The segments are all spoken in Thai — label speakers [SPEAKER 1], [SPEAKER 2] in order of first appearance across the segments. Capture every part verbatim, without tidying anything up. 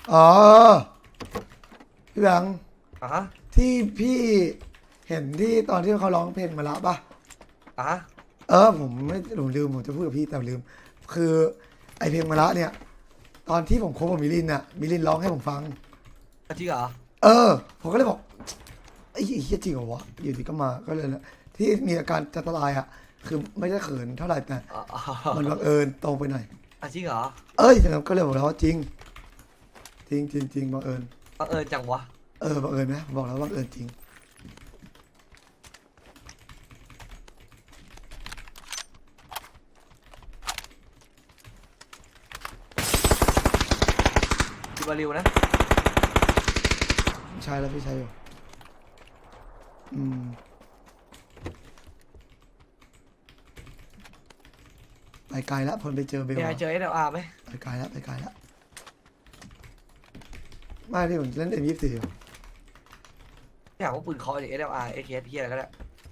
[SPEAKER 1] อ๋อพี่แบงค์
[SPEAKER 2] อ่ะฮะ
[SPEAKER 1] ที่พี่เห็นที่ตอนที่เขาร้องเพลงมาละป่ะ
[SPEAKER 2] อ่ะฮะ
[SPEAKER 1] เออผมไม่ผมลืมผมจะพูดกับพี่แต่ลืม คือไอเพลงมาละเนี่ย ตอนที่ผมคบกับมิลินน่ะมิลินร้องให้ผมฟัง
[SPEAKER 2] จริงเหรอ
[SPEAKER 1] เออ ผมก็เลยบอกไอ้เหี้ยจริงเหรอวะอยู่ดีก็มาก็เลยนะที่มีอาการจะตายอ่ะคือไม่ได้เขินเท่าไหร่แต่
[SPEAKER 2] อ๋ออ๋อ
[SPEAKER 1] มันบังเอิญตรงไปหน่อย
[SPEAKER 2] อ่ะจริงเหรอ
[SPEAKER 1] เอ้ยแต่ก็เลยบอกแล้วว่าจริง จริงจริงจริงบังเอิญ
[SPEAKER 2] บังเอิญจังวะ
[SPEAKER 1] เออบังเอิญไหมผมบอกแล้วบังเอิญจริง
[SPEAKER 2] คิวบาริวนะ
[SPEAKER 1] ใช่แล้วพี่ใช่อยู่อืมไปไกลแล้วพลไปเจอเบล
[SPEAKER 2] มีใคร
[SPEAKER 1] อะ
[SPEAKER 2] เจอเอสเอลอาร์ไหม
[SPEAKER 1] ไปไกลแล้วไปไกลแล้วไม่ที่ผมเล่นเอ็มยี่สิบสี่อยู่
[SPEAKER 2] อยากว่าปืนเคอจากเอสเอลอาร์เอเคสเฮียอะไรก็ได้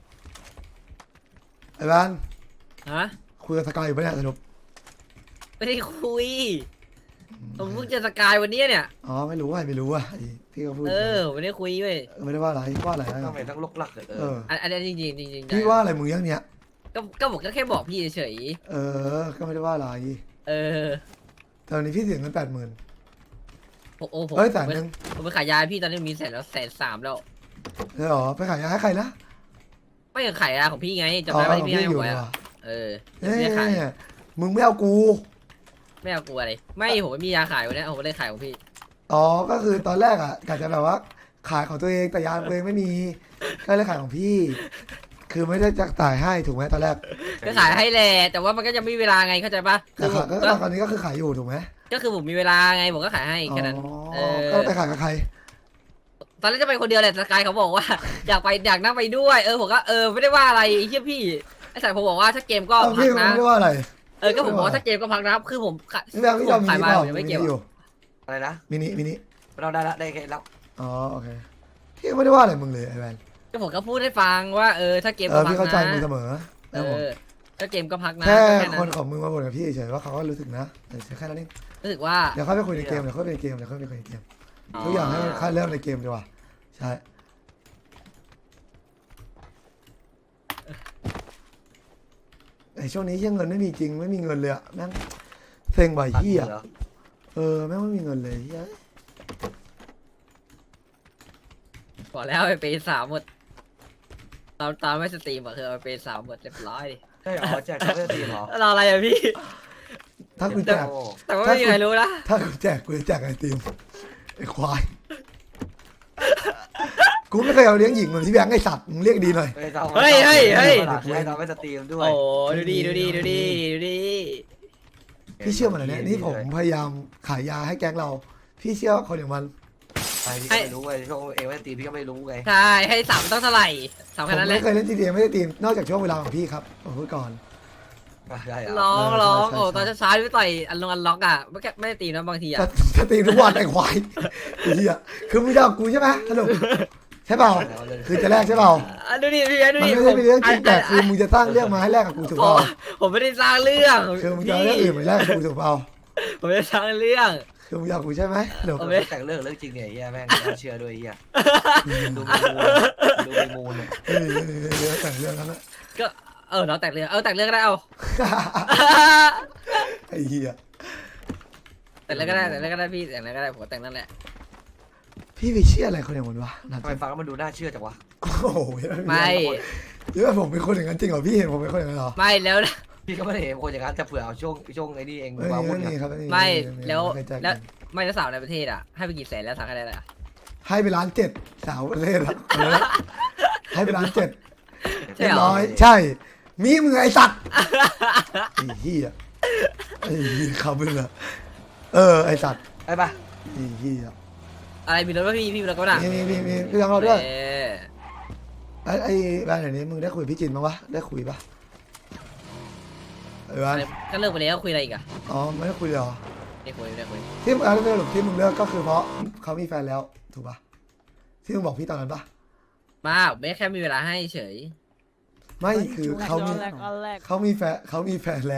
[SPEAKER 1] ไอ้บ้าน
[SPEAKER 3] ฮะ
[SPEAKER 1] คุยกับสกายอยู่ปะเนี่ยสรุป
[SPEAKER 3] ไม่ได้คุยผมเพิ่งเจอสกายวันนี้เนี่ย
[SPEAKER 1] อ๋อไม่รู้ว่าไม่รู้ว่าที่เขาพูด
[SPEAKER 3] เออผมไม่ได้คุยเว้ย
[SPEAKER 1] ไม่ได้ว่าอะไรว่าอะไร
[SPEAKER 2] ทำไมต้องลกลักเลย
[SPEAKER 1] เอ
[SPEAKER 2] เอ
[SPEAKER 1] อ
[SPEAKER 2] อ
[SPEAKER 3] อันอันนี้จริงจริงจริงๆ
[SPEAKER 1] พี่ว่าอะไรมึงยังเนี้ย
[SPEAKER 3] ก็ก็บอกก็แค่บอกพี่เฉย
[SPEAKER 1] เออก็ไม่ได้ว่าอะไร
[SPEAKER 3] ๆเออ
[SPEAKER 1] ตอนนี้พี่เสียเงินแปดหมื่น
[SPEAKER 3] ผมโอ้ผม
[SPEAKER 1] เอ้ยแสน
[SPEAKER 3] ผม
[SPEAKER 1] หนึ่ง
[SPEAKER 3] ผมไปขายยาให้พี่ตอนนี้มีแสนแล้วแสนสามแล้ว
[SPEAKER 1] เออหรอไปขายยาให้ใครนะ
[SPEAKER 3] ไม่อยากขายยาของพี่ไงจำได้ว่าที่พี่ให้
[SPEAKER 1] อยู่
[SPEAKER 3] หวย
[SPEAKER 1] เหร
[SPEAKER 3] อ่ะ
[SPEAKER 1] อ
[SPEAKER 3] เออ
[SPEAKER 1] เอ้
[SPEAKER 3] ไม่ได้ขาย
[SPEAKER 1] ยมึงไม่เอากู
[SPEAKER 3] ไม่เอากลัวอะไรไม่ผมไม่มียาขายวันนี้ผมไม่ได้ขายของพี่
[SPEAKER 1] อ๋อ ก็คือตอนแรกอ่ะกะจะแบบว่าขายของตัวเองแต่ยาตัวเองไม่มี ก็เลยขายของพี่ คือไม่ได้จะจ่ายให้ถูกไหมตอนแรก
[SPEAKER 3] ก็ขายให้แหละแต่ว่ามันก็ยังไม่มีเวลาไงเข้าใจปะ
[SPEAKER 1] แต่
[SPEAKER 3] คือผ
[SPEAKER 1] ขาย
[SPEAKER 3] ม
[SPEAKER 1] ก็
[SPEAKER 3] ก็
[SPEAKER 1] ตอนนี้ก็คือขายอยู่ถูกไหม
[SPEAKER 3] ก็คือผมมีเวลาไงผมก็ขายให้แค่นั้น เอ
[SPEAKER 1] อ๋อ
[SPEAKER 3] อ
[SPEAKER 1] ก็ไปขายกับใคร
[SPEAKER 3] ตอนแรกจะไปคนเดียวแหละสกายเขาบอกว่า อยากไปอยากนั่งไปด้วยเออผมก็เออไม่ได้ว่าอะไรไอ้เฮียพี่ไอ้สายผมบอกว่าถ้าเกมก็
[SPEAKER 1] เอ้า
[SPEAKER 3] พั
[SPEAKER 1] พี่
[SPEAKER 3] ก
[SPEAKER 1] มัน
[SPEAKER 3] นะ
[SPEAKER 1] ไม่ได้ว่าอะไร
[SPEAKER 3] เออก็ผมบอกว่าถ้าเกมก็พักนะคือผมขาย
[SPEAKER 1] นี่แบงค์พี่จอม
[SPEAKER 3] ผม
[SPEAKER 1] มิ
[SPEAKER 3] ขาย
[SPEAKER 1] นิ
[SPEAKER 3] มา
[SPEAKER 1] เปล่า
[SPEAKER 3] ผมยัง
[SPEAKER 1] มิ
[SPEAKER 3] ไม่
[SPEAKER 1] นิ
[SPEAKER 3] เก็บ
[SPEAKER 1] อยู่
[SPEAKER 2] อะไรนะ
[SPEAKER 1] มินิมินิ
[SPEAKER 2] เราได้ละได้แค่แล้ว
[SPEAKER 1] อ๋อโอเคพี่ก็ไม่ได้ว่าอะไรมึงเลยไอ้แวน
[SPEAKER 3] ก็ผมก็พูดให้ฟังว่าเออถ้าเกม
[SPEAKER 1] เอ
[SPEAKER 3] ก็
[SPEAKER 1] อ
[SPEAKER 3] พั
[SPEAKER 1] พี่
[SPEAKER 3] ก
[SPEAKER 1] เข้าใจ
[SPEAKER 3] นะ
[SPEAKER 1] มึงเสมอ
[SPEAKER 3] เอ
[SPEAKER 1] นะผม
[SPEAKER 3] อถ้าเกมก็พักนะ
[SPEAKER 1] แค่
[SPEAKER 3] ก็แค่
[SPEAKER 1] คน
[SPEAKER 3] นั้น
[SPEAKER 1] ของมึงมาบ่นกับพี่เฉยๆว่าเขาก็รู้สึกนะแต่แค่นั้นเอง
[SPEAKER 3] รู้สึกว่า
[SPEAKER 1] เดี๋ยวค่อยไปคุยในเกมเดี๋ยวค่อยไปในเกมเดี๋ยวค่อยไปคุยในเกมทุกอย่างให้มันค่อยเริ่มในเกมดีกว่าใช่ไอช่วงนี้เหี้ยเงินไม่มีจริงไม่มีเงินเลยอะแม่งเซ็งบ่อย
[SPEAKER 2] ตัด
[SPEAKER 1] เหี้ย
[SPEAKER 2] เหรอ
[SPEAKER 1] เออแม่งไม่มีเงินเลยเหี้ย
[SPEAKER 3] บอกแล้วไปเปย์สามหมดตามตามไม่สตรีมอะคือเอาไปเปย์สามหมดเรียบร้อย
[SPEAKER 2] ใช่เหรอแจกช็อกโกแลตตีเหรอ
[SPEAKER 3] รออะไรอะพี่
[SPEAKER 1] ถ้ากูแจก
[SPEAKER 2] โอ้
[SPEAKER 3] แต่ว่าไม่มีใครรู้นะ
[SPEAKER 1] ถ้ากูแจกกูจะแจกไอติมไอควายกูไม่เคยเอาเลี้ยงหญิงเหมือนที่แบงค์ไอสัตว์มึงเรียกดีหน่อย
[SPEAKER 2] เฮ้ยเรา
[SPEAKER 3] เฮ้ยเฮ้ยเฮ้ย
[SPEAKER 2] ให้เราไม่สตรีมด้วย
[SPEAKER 3] โอ้ดูดีดูดีดูดีดูดี
[SPEAKER 1] พี่เชื่อมันเหรอเนี่ยนี่ผมพยายามขายยาให้แก๊งเรา พี่เชื่อคนอย่างมัน
[SPEAKER 2] ไปพี่ก็ไม่รู้ไงช่วงเอไม่สตรีมพี่ก็ไม่รู้ไง
[SPEAKER 3] ใช่ให้สามต้องเท่าไหร่สาม
[SPEAKER 1] ผ
[SPEAKER 3] แค่
[SPEAKER 1] ม
[SPEAKER 3] นั้นแหละ
[SPEAKER 1] ไม่เคยเล่นจีดีไม่ได้ตีมนอกจากช่วงเวลาของพี่ครับผมพูดก่อน
[SPEAKER 2] ใช่เหรอ
[SPEAKER 3] ร้อง
[SPEAKER 1] เออ
[SPEAKER 3] ร้อง
[SPEAKER 1] ใช่ใช่
[SPEAKER 3] โอ้ตอนเช้าๆพี่ต่อยอันลงอันล็อกอ่ะไม่แค่ไม่ได้ตีนะบางทีอ่ะ
[SPEAKER 1] จะจะตีทุกวันไอ้ควายไอ้เหี้ยคือมึงจะเอากูใช่ไหมสรุปใช่เปล่าคือจะแลกใช่เปล่า
[SPEAKER 3] อ่ะดูดิพี่ดู
[SPEAKER 1] มัน
[SPEAKER 3] ดิ
[SPEAKER 1] ไม่ได้เป็นเรื่องจริงแต่
[SPEAKER 3] ผม
[SPEAKER 1] คือมึงจะสร้างเรื่องมาให้แลกกับกูถูก
[SPEAKER 3] ผ
[SPEAKER 1] เปล่าม
[SPEAKER 3] ผมไม่ได้สร้างเรื่อง
[SPEAKER 1] คือมึงจะเอาเรื่องอื่นมาแลกกับกูถูกเปล่า
[SPEAKER 3] ผมไม่ได้สร้างเรื่อง
[SPEAKER 1] คือมึงอยากกูใช่ไหมสรุป
[SPEAKER 3] ผม
[SPEAKER 2] ไม่แต่งเรื่องเรื่องจริงเนี่ยเฮียแม่งน่าเชื่อด้วยเฮียดูมีมูลดูมีมูลเนี่ย
[SPEAKER 1] เออเออเออแต่งเรื่องนั้นนะ
[SPEAKER 3] ก็เออเราแต่งเรื่องเออแต่งเรื่องก็ได้เอา
[SPEAKER 1] ไอ้เหี้ย
[SPEAKER 3] แต่งเรื่องก็ได้แต่งเรื่องก็ได้พี่แต่งเรื่องก็ได้ผมแต่งนั่นแหละ
[SPEAKER 1] พี่ไปเชื่ออะไรคนอย่างมันวะนั่น
[SPEAKER 2] ทำไมฟังแล้วมันดูน่าเชื่อจังวะ
[SPEAKER 1] โอ้โห
[SPEAKER 3] ไม่
[SPEAKER 1] เยอะผมเป็นคนอย่างนั้นจริงเหรอพี่เห็นผมเป็นคนอย่างนั้นเหรอ
[SPEAKER 3] ไม่แล้วนะ
[SPEAKER 2] พี่ก็ไม่ได้เห็นคนอย่างนั้นแต่เผื่อเอาช่วงช่วงไอ้นี่เอง
[SPEAKER 1] ไม่
[SPEAKER 2] วา
[SPEAKER 1] มี
[SPEAKER 2] วุ่น
[SPEAKER 1] ไม่
[SPEAKER 2] เนี่
[SPEAKER 1] มี
[SPEAKER 2] ย
[SPEAKER 1] ครับ
[SPEAKER 3] ไม่แล้ว
[SPEAKER 1] ไม่เคยจ่าย
[SPEAKER 3] แล้ว
[SPEAKER 1] เงิน
[SPEAKER 3] ไม่แล้วสาวในประเทศอ่ะให้ไปกี่แสนแล้วสาวแค่ไหนล่ะ
[SPEAKER 1] ให้ไปล้านเจ็ดสาวประเทศอะเอาละให้ไปล้านเจ็ด
[SPEAKER 3] ใช่
[SPEAKER 1] เรีย
[SPEAKER 3] เห
[SPEAKER 1] บ
[SPEAKER 3] รอ
[SPEAKER 1] ร้อยใช่ มีมึงไอ้สัตว์ไอ้เหี้ยไอ้เหี้ยคำมึงอะเออไอ้สัตว์
[SPEAKER 2] ไปปะ
[SPEAKER 1] ไอ้เหี้ย
[SPEAKER 3] อะไรมีรถป่ะพี่พี่มีรถก็ได้
[SPEAKER 1] มีมีมีมีพี่ทำเราด้วย
[SPEAKER 3] เออ
[SPEAKER 1] ไอ้ไอ้บ้านไหนนี้มึงได้คุยกับพี่จินบ้างวะได้คุยปะไอ้บ้าน
[SPEAKER 3] ก็เลิกไปแล้วคุยอะไรอีกอ่ะ
[SPEAKER 1] อ๋อไม่ได้คุยเลยเหรอ
[SPEAKER 3] ไม่คุยไม่ได้คุย
[SPEAKER 1] ที่มึงเอาเรื่องสรุปที่มึงเลิกก็คือเพราะเขามีแฟนแล้วถูกปะที่มึงบอกพี่ตอนนั้นปะ
[SPEAKER 3] มาไม่แค่มีเวลาให้เฉย
[SPEAKER 1] ไม่คือเขามีเขามีแฟนเขามีแฟนแล้ว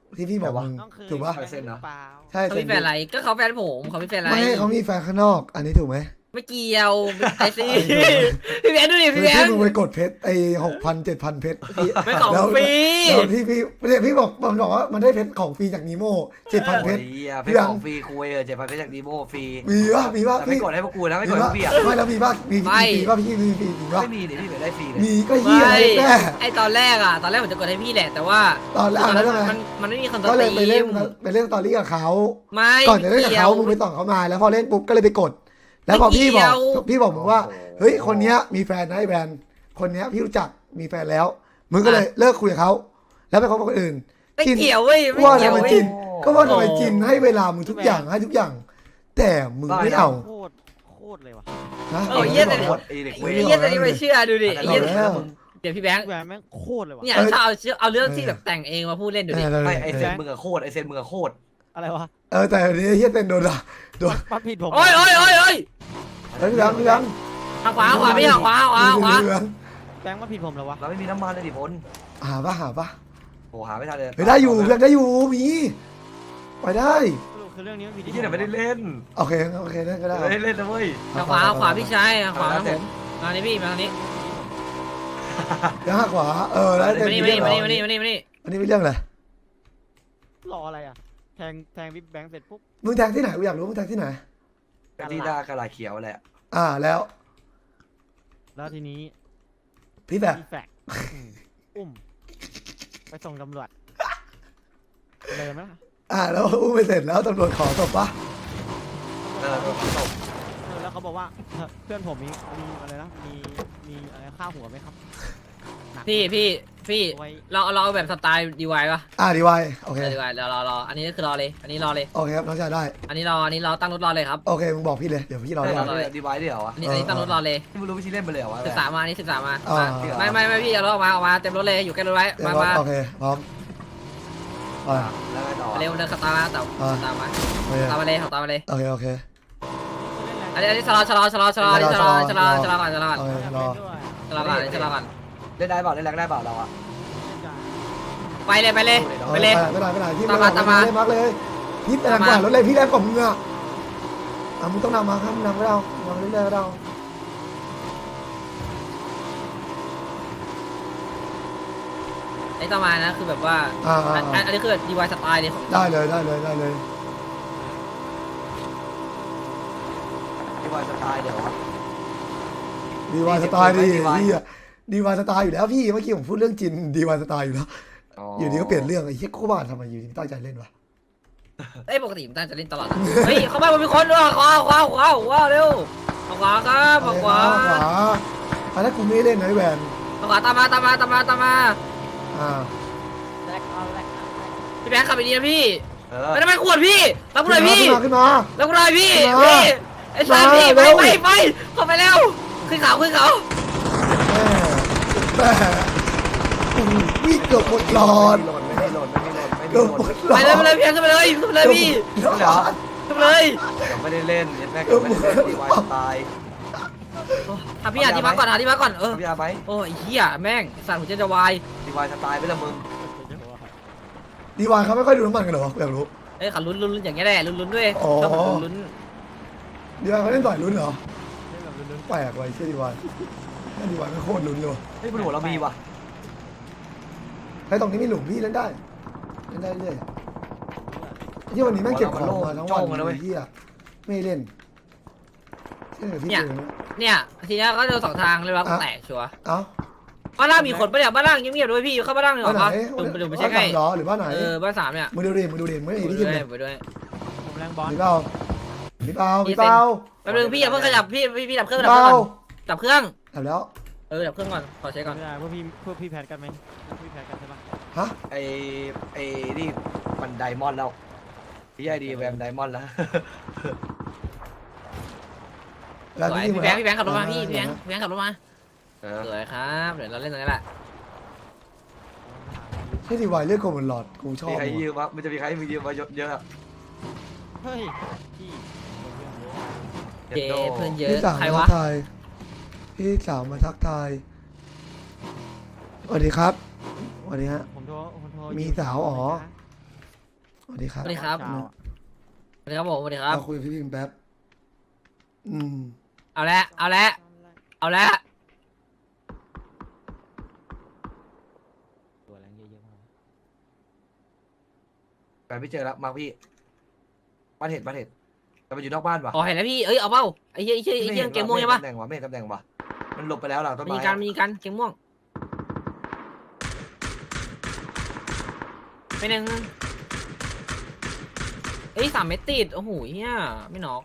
[SPEAKER 1] ที่พี่บอกมึง
[SPEAKER 4] ต้องเคย
[SPEAKER 1] ถูกปะ
[SPEAKER 4] แฟนหรือเปล่า
[SPEAKER 1] ใช่
[SPEAKER 3] เขามีแฟนอะไรก็เขาแฟนผมเขามีแฟนอะไร
[SPEAKER 1] ไม่เขามีแฟนข้างนอก อันนี้ถูกไหม
[SPEAKER 3] ไม่เกี่ยวไอซีพี่แบงค์ดูดิ
[SPEAKER 1] คือ
[SPEAKER 3] พี่แบง
[SPEAKER 1] ที่
[SPEAKER 3] ค์
[SPEAKER 1] มึงไปกดเพชรไอ้หกพันเจ็ดพันเพชรพี่
[SPEAKER 3] ไม่ของ
[SPEAKER 1] แล้ว
[SPEAKER 3] ฟรี
[SPEAKER 1] แล้วที่พี่เนี่ยพี่บอกมันบอกว่ามันได้เพชรของฟรีจากนีโม่เจ็ดพันเพชร
[SPEAKER 2] โอ้ยเหี้ยเพ
[SPEAKER 1] พี่
[SPEAKER 2] ชร
[SPEAKER 1] ยัง
[SPEAKER 2] ของฟรีคุยเออเจ็ดพันเพชรจากดีโมฟรี
[SPEAKER 1] มีป่ะมีป่ะ
[SPEAKER 2] แต่ไม่
[SPEAKER 1] พี่
[SPEAKER 2] กดให้พวกกูนะไม่ก
[SPEAKER 1] มี
[SPEAKER 2] ดให้พ
[SPEAKER 1] ป่ะ
[SPEAKER 2] วกพี่อ่ะ
[SPEAKER 1] ไม่แล้วมีป่ะมีมีฟรีป่ะพี่มีฟรีมีป่ะ
[SPEAKER 2] ไม่มีเดี๋ยวพี่เดี๋ยวได้ฟรีเลย
[SPEAKER 1] มีก็เหี้ย
[SPEAKER 3] ไม่
[SPEAKER 1] แน่
[SPEAKER 3] ไอตอนแรกอ่ะตอนแรกผมจะกดให้พี่แหละแต่ว่า
[SPEAKER 1] ตอนแรกแล้วทำไม
[SPEAKER 3] มันมันไม่มีคอนโทร
[SPEAKER 1] ก็
[SPEAKER 3] ล
[SPEAKER 1] เลยไปเล่น
[SPEAKER 3] ม
[SPEAKER 1] ไปเล่นสตอรี่กับเขา
[SPEAKER 3] ไม่
[SPEAKER 1] ก่อนจะเล่นกับ
[SPEAKER 3] กี่ย
[SPEAKER 1] เขา
[SPEAKER 3] ว
[SPEAKER 1] มึงไปส่องเขามาแล้วพอเล่นปุ๊บก็เลยไปกด แล้วพอพี่บอก
[SPEAKER 3] ไม่เกี่ยว
[SPEAKER 1] พี่บอกมึงว่าเฮ้ยคนเนี้ยมีแฟนนะไอ้แบรนด์คนเนี้ยพี่รู้จักมีแฟนแล้วมึงก็เลยเลิกคุยกับเขาแล้วไปคบกับคนอื่น
[SPEAKER 3] ไม่
[SPEAKER 1] จิน
[SPEAKER 3] เกี่ยวเว้ยไม่
[SPEAKER 1] ว่า
[SPEAKER 3] เกี่ยว
[SPEAKER 1] ทำไม
[SPEAKER 3] เว้ย
[SPEAKER 1] จิน ก็ว่าทำไม
[SPEAKER 3] โอ้
[SPEAKER 1] จินให้เวลามึงทุกอย่างให้ทุกอย่าง แต่มึงไม่เอา
[SPEAKER 4] โคตรโคตรเลยว่ะ
[SPEAKER 1] นะ
[SPEAKER 3] โอ้ยเหี้ยแต่
[SPEAKER 1] อา
[SPEAKER 2] ไอ้เด็ก
[SPEAKER 3] ไอ้
[SPEAKER 2] เว้ย
[SPEAKER 3] เหี้ยแต่นี่ไม่เชื่อดูดิไอ้
[SPEAKER 2] เหี้
[SPEAKER 3] เหี้
[SPEAKER 2] ย
[SPEAKER 3] ย
[SPEAKER 1] แล้ว
[SPEAKER 3] เดี๋ยวพี่แบงค์
[SPEAKER 4] แหวนแม่งโคตรเลยว่ะ
[SPEAKER 3] เนี่ยถ้าเอาเชื่อเอาเรื่องที่แบบแต่งเองมาพูดเล่นดูดิ
[SPEAKER 1] เออ
[SPEAKER 2] ไม่ไอเซ
[SPEAKER 4] แบ
[SPEAKER 2] น
[SPEAKER 4] งค์
[SPEAKER 2] มึงอะโคตรไอเซนมึงอะโคตร
[SPEAKER 4] อะไรวะ
[SPEAKER 1] เออแต่เดี๋ยวเฮียเต้นโดนละโดน
[SPEAKER 4] มันผิดผม
[SPEAKER 3] โอ้ยโอ้ยโอ้ยโอ้ย
[SPEAKER 1] เฮ้ยพี่ยังพี่ยัง
[SPEAKER 3] ทางขวาขวาพี่ทางขวาขวาขวา
[SPEAKER 1] เหลือง
[SPEAKER 4] แบงค์มันผิดผมแล้ววะ
[SPEAKER 2] เราไม่มีน้ำมันเลยดิพล
[SPEAKER 1] หาปะหาปะ
[SPEAKER 2] โหหาไม่ทันเลย
[SPEAKER 1] เฮ้ยได้อยู่พี่ยังได้อยู่มีไปได้
[SPEAKER 4] สรุปคือเรื่องนี้มันผิด
[SPEAKER 2] ที่
[SPEAKER 4] ที่
[SPEAKER 2] เนี่ยไม่ได้เล่น
[SPEAKER 1] โอเคโอเคได้ก็ได้
[SPEAKER 2] ไม่ได้เล่นนะเว้ย
[SPEAKER 3] ทางขวาขวาพี่ชายทางขวาครับผมมานี่พี่มาทางนี้
[SPEAKER 1] ยังหักขวาเออแล้ว
[SPEAKER 3] มานี่มานี่มานี่มานี่มานี่มานี่
[SPEAKER 1] อันนี้ไม่เรื่องอะไร
[SPEAKER 4] รออะไรอ่ะแทงแทงพี่แบงค์เสร็จปุ๊บ
[SPEAKER 1] มึงแทงที่ไหนกูอยากรู้มึงแทงที่ไหน
[SPEAKER 2] ที่หน้ากระดาษเขียวแหละ
[SPEAKER 1] อ่าแล้ว
[SPEAKER 4] แล้วทีนี้
[SPEAKER 1] พี่แบบ
[SPEAKER 4] พี่แฟกอืมอุ้มไปส่งตำรวจเลยไหมล่ะ
[SPEAKER 1] อ่าแล้วอุ้มไปเสร็จแล้วตำรวจขอศพปะ
[SPEAKER 2] เออโดนตบ
[SPEAKER 4] เออแล้วเขาบอกว่าเอ่อเพื่อนผมมีมีอะไรนะมีมีอะไรค่าหัวไหมครับหนัก
[SPEAKER 3] พี่พี่พี่
[SPEAKER 4] ไว้
[SPEAKER 3] เราเราเอาแบบสไตล์ดีวายป่ะ
[SPEAKER 1] อ่าดีไวโอเค
[SPEAKER 3] ดีวายเรารอรออันนี้ก็คือรอเลย อันนี้รอเลย
[SPEAKER 1] โอเคครับน้องชายได้
[SPEAKER 3] อันนี้รออันนี้รอตั้งรถรอเลยครับ
[SPEAKER 1] โอเคมึงบอกพี่เลยเดี๋ยวพี่รอ
[SPEAKER 2] ได้
[SPEAKER 1] ได้
[SPEAKER 2] เหรอดีไว้ด้วยเหรอวะ
[SPEAKER 3] อันนี้อันนี้ตั้งรถรอเลย
[SPEAKER 2] ที่มึงรู้วิธีเล่นไปเลยเหรอวะ
[SPEAKER 3] ศึกษามาอันนี้ศึกษามา
[SPEAKER 1] อ่า
[SPEAKER 3] ไม่ไม่ไม่พี่เอารถออกมาออกมาเต็มรถเลยอยู่ใกล้รถไว้
[SPEAKER 1] เดี๋ยว
[SPEAKER 3] มามา
[SPEAKER 1] โอเคพร้อมอ่า
[SPEAKER 2] แล้วไงต่อ
[SPEAKER 3] เร็วเดินขับตามมาแต่
[SPEAKER 1] อ่า
[SPEAKER 3] ตามมา
[SPEAKER 1] โอเค
[SPEAKER 3] ตามมาเลยขับตามมาเลย
[SPEAKER 1] โอเคโอเค
[SPEAKER 3] อันนี้อันนี้ชะลอชะลอชะลอชะลออันนี้ชะลอชะลอชะลอก่อนชะลอก่อน
[SPEAKER 1] โอเครอ
[SPEAKER 3] ชะลอก่อนอันนี้ชะลอก่อน
[SPEAKER 2] เล่นได้เปล่าเล่นแรงได้เปล่าเราอะ
[SPEAKER 3] ไปเลยไปเลย
[SPEAKER 1] เอา
[SPEAKER 3] ไปเลย
[SPEAKER 1] ไม่ได้ไม่ได้พี่
[SPEAKER 3] ตาม
[SPEAKER 1] ไม่
[SPEAKER 3] มา
[SPEAKER 1] ได้
[SPEAKER 3] ตามมา
[SPEAKER 1] ไม่ได้มากเลยพี่แรงกว่ารถเลยพี่แรงกว่ามึงอ่ะอ่ะมึงต้องนำมาครับมึงนำก็ได้นำเรื่อยๆก็ได้
[SPEAKER 3] ไอ้ต่อมานะคือแบบว่า
[SPEAKER 1] อ่า
[SPEAKER 3] อันอันอันนี้คือดีวายสไตล์เลยของ
[SPEAKER 1] ได้เลยได้เลยได้เลย
[SPEAKER 2] ดีไว้สไตล์เดี๋ยววะ
[SPEAKER 1] ดีวายสไตล์ดี
[SPEAKER 2] ดีวาย
[SPEAKER 1] ดีอ่ะดีวายสไตล์อยู่แล้วพี่เมื่อกี้ผมพูดเรื่องจินดีวายสไตล์อยู่แล้วอยู่ดีก็เปลี่ยนเรื่องไอ้เหี้ยกูบ้านทำไมอยู่ดีตั้งใจเล่นวะ
[SPEAKER 3] เอ้ยปกติมันตั้งจะเล่นตลอดนะเฮ้ยเข้ามามันมีคนด้วยขวาขวาขวาขวาเร็วขวาครับขวา
[SPEAKER 1] ขวาอันนั้นกูไม่ได้เล่นนะไอ้แวน
[SPEAKER 3] ขวาตามมาตามมาตามมาตามมา
[SPEAKER 1] อ่า
[SPEAKER 4] แลกเอาแลกเอาแลก
[SPEAKER 3] พี่แบงค์ขับไปดีนะพี่
[SPEAKER 2] เออ
[SPEAKER 3] ไม่ได้ไม่ขวดพี่รับกูหน่อยพี่
[SPEAKER 1] ขึ้นมาขึ้นมา
[SPEAKER 3] รับกูหน่อยพี่
[SPEAKER 1] มา
[SPEAKER 3] พี่ไอ้สายพี่ไป
[SPEAKER 1] มาเร็ว
[SPEAKER 3] ไปไปเข้าไปเร็วขึ้นเขาขึ้นเขา
[SPEAKER 1] แม่แม่วิ่งเกือบหมดหลอด
[SPEAKER 2] ไม่ได้โหลดไม่ได้โหลดไม่ได้
[SPEAKER 1] เกือบ
[SPEAKER 2] โหล
[SPEAKER 1] หม
[SPEAKER 2] ด
[SPEAKER 1] ดหล
[SPEAKER 3] ไป
[SPEAKER 1] อด
[SPEAKER 3] เลยไปเลยพี่ขึ้นไปเลยขึ้นไปเลยพี่
[SPEAKER 1] เกือบหมดหลอด
[SPEAKER 3] ขึ้นไปเลย
[SPEAKER 2] ยังไม่ได้เล่นยังแม่งยังไม่ได้เล่นดีไว้สไตล์
[SPEAKER 3] หาพี่หาที่พักก่อนหาที่พักก่อนเออ
[SPEAKER 2] พี่อาไหม
[SPEAKER 3] โอ้ยเหี้ยแม่งสัตว์หัวใจจะวาย
[SPEAKER 2] ดีไว้สไตล์ไปละมึง
[SPEAKER 1] ดีวายเขาไม่ค่อยดูน้ำมันกันเหรออยากรู้
[SPEAKER 3] เอ้ยขันลุ้นลุ้นลุ้นอย่างเงี้ยแหละลุ้นลุ้นด้วย
[SPEAKER 1] อ๋อ
[SPEAKER 3] ชอบลุ้นลุ้น
[SPEAKER 1] ดีวายเขาเล่นต่อยลุ้นเหรอ
[SPEAKER 4] เล่นแบบลุ้น
[SPEAKER 1] แปลกว่ะไอ้เชี่ยดีวายแม่ดีวายไม่โคตรลุ้นเลยว่ะ
[SPEAKER 2] เฮ้ยบนหัวเรามีว่ะ
[SPEAKER 1] ไอ้ตรงนี้มีหลุมพี่เล่นได้เล่นได้เรื่อยที่วันนี้แม่งเก็บของมาทั้งวันเลยเฮียไม่เล่นเช่นกับพี่เจอเนี่ย
[SPEAKER 3] เนี่ยทีนี้ก็เจอสองทางเลยว่ากูแตกชัวร์
[SPEAKER 1] เอ้า
[SPEAKER 3] บ้านล่างมีคนปะเนี่ยบ้านล่างเงียบๆด้วยพี่เข้าบ้านล่างหน่อย
[SPEAKER 1] บ้านไหน
[SPEAKER 3] ปะดูดูไป
[SPEAKER 1] บ้า
[SPEAKER 3] เช็
[SPEAKER 1] น
[SPEAKER 3] ค
[SPEAKER 1] ไหน
[SPEAKER 3] ให้
[SPEAKER 1] เหรอหรือบ้านไหน
[SPEAKER 3] เออบ้านสามเนี่ย
[SPEAKER 1] มึงดูดิมึงดูดิมึงไม่
[SPEAKER 3] ไป
[SPEAKER 1] เห็นที่
[SPEAKER 3] ด้
[SPEAKER 1] กิน
[SPEAKER 3] วย
[SPEAKER 1] เลย
[SPEAKER 3] ไปด้วย
[SPEAKER 4] ๆผมแรงบอล
[SPEAKER 1] มีเปล่ามีเปล่ามีเปล่า
[SPEAKER 3] แป๊บนึงพี่อย่าเพิ่งขยับพี่พี่พี่ดับเครื่อง
[SPEAKER 1] มี
[SPEAKER 3] ดับ
[SPEAKER 1] เป
[SPEAKER 3] เครื่
[SPEAKER 1] ล่า
[SPEAKER 3] องก่อนดับเครื่อง
[SPEAKER 1] ทำแล้ว
[SPEAKER 3] เออดับเครื่องก่อนขอเช็คก่อน
[SPEAKER 4] ไม่ได้พวกพี่พวกพี่แพทกันไหมพวกพี่แพทกันใช่ปะ
[SPEAKER 1] ฮะ
[SPEAKER 2] ไอไอนี่มันไดมอนด์แล้วพี่ไอดีแวมไดมอนด์แล้ว
[SPEAKER 1] แล้ว
[SPEAKER 3] สวย
[SPEAKER 1] ที่
[SPEAKER 3] พี่แบงค์พี่แบงค์ขับรถมาพี่พี่แบงค์พี่แบงค์ขับรถมา
[SPEAKER 2] เออ
[SPEAKER 3] สวยครับเดี๋ยวเราเล่นตรงนี้แหละ
[SPEAKER 1] ที่ดีวายเลือกโกมันหลอดกูชอบ
[SPEAKER 2] มีใคร
[SPEAKER 1] ว่ะ
[SPEAKER 2] ยืมวะมันจะมีใครมียืมมาเยอะอะ
[SPEAKER 4] เฮ้ยพี่
[SPEAKER 3] เจเพื่อนเย
[SPEAKER 1] พี่
[SPEAKER 3] อะ
[SPEAKER 1] สาว
[SPEAKER 3] ใคร
[SPEAKER 1] มาทั
[SPEAKER 3] วะ
[SPEAKER 1] กทายพี่สาวมาทักทายสวัสดีครับสวัสดีฮะ
[SPEAKER 4] ผมโทรผมโทร
[SPEAKER 1] มีสาวอ๋อ
[SPEAKER 4] ส
[SPEAKER 1] วัสดีครับ
[SPEAKER 3] สวัสดีครับ
[SPEAKER 4] เช้าอะ
[SPEAKER 3] สวัสดีครับผมสวัสดีครับ
[SPEAKER 1] เอาคุยกับพี่พิมพ์แป๊บอืม
[SPEAKER 3] เอาละเอาละเอาละ
[SPEAKER 4] ตัวแรงเยอะๆมาก
[SPEAKER 2] ไปไม่เจอแล้วมาพี่บ้านเห็ดบ้านเห็ดแต่มันอยู่นอกบ้านปะ
[SPEAKER 3] อ๋อเห็นแล้วพี่เอ้ยเอาเปล่าไอ้เหี้ยไอ้เหี้ยไอ้เหี้ยเกมม่วงใช่ปะ
[SPEAKER 2] ตำแหน่งวะไม่เห็นตำแหน่งวะมันหลบไปแล้วหลังต้น
[SPEAKER 3] มี
[SPEAKER 2] ไม้
[SPEAKER 3] การ
[SPEAKER 2] อะ
[SPEAKER 3] มีการเกมม่วงไปหนึ่งเอ้ยสามเมตรติดโอ้โหเฮียไม่น็อก